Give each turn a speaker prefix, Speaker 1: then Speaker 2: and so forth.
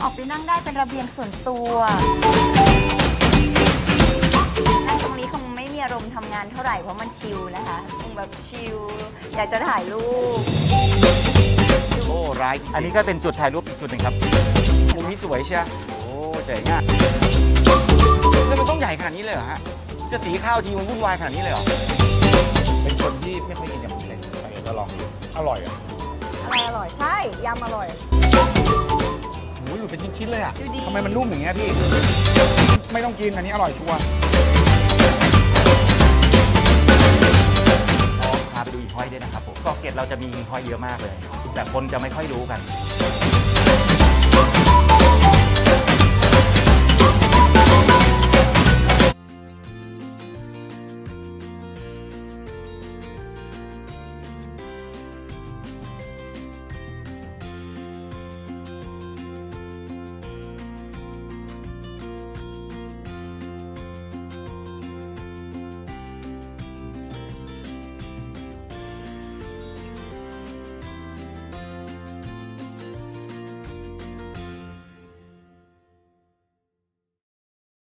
Speaker 1: ออกไปนั่งได้เป็นระเบียงส่วนตัวนั่งตรงนี้คงไม่มีอารมณ์ทำงานเท่าไหร่เพราะมันชิลนะคะคงแบบชิลอยากจะถ่ายรูป
Speaker 2: โอ้ร้ายอันนี้ก็เป็นจุดถ่ายรูปอีกจุดหนึ่งครับมุมนี้สวยเชียวโอ้เจ๋งอ่ะแล้วมันต้องใหญ่ขนาดนี้เลยเหรอฮะจะสีข้าวทีมันวุ่นวายขนาดนี้เลยเหรอ
Speaker 3: เป็นคนที่ไม่ค่อยกินยำเล็กไปก็ลองดูอร่อยอ่ะ
Speaker 1: อะไรอร่อยใช่ยำอร่อย
Speaker 3: โอ้ยหลุดเป็นชิ้นๆเลยอ่ะ
Speaker 1: ดูดี
Speaker 3: ทำไมมันนุ่มอย่างเงี้ยพี่ ไม่ต้องกินอันนี้อร่อยชัวร์
Speaker 2: พาไปดูหิ่งห้อยด้วยนะครับผมเกาะเกร็ดเราจะมีหิ่งห้อยเยอะมากเลย แต่คนจะไม่ค่อยรู้กัน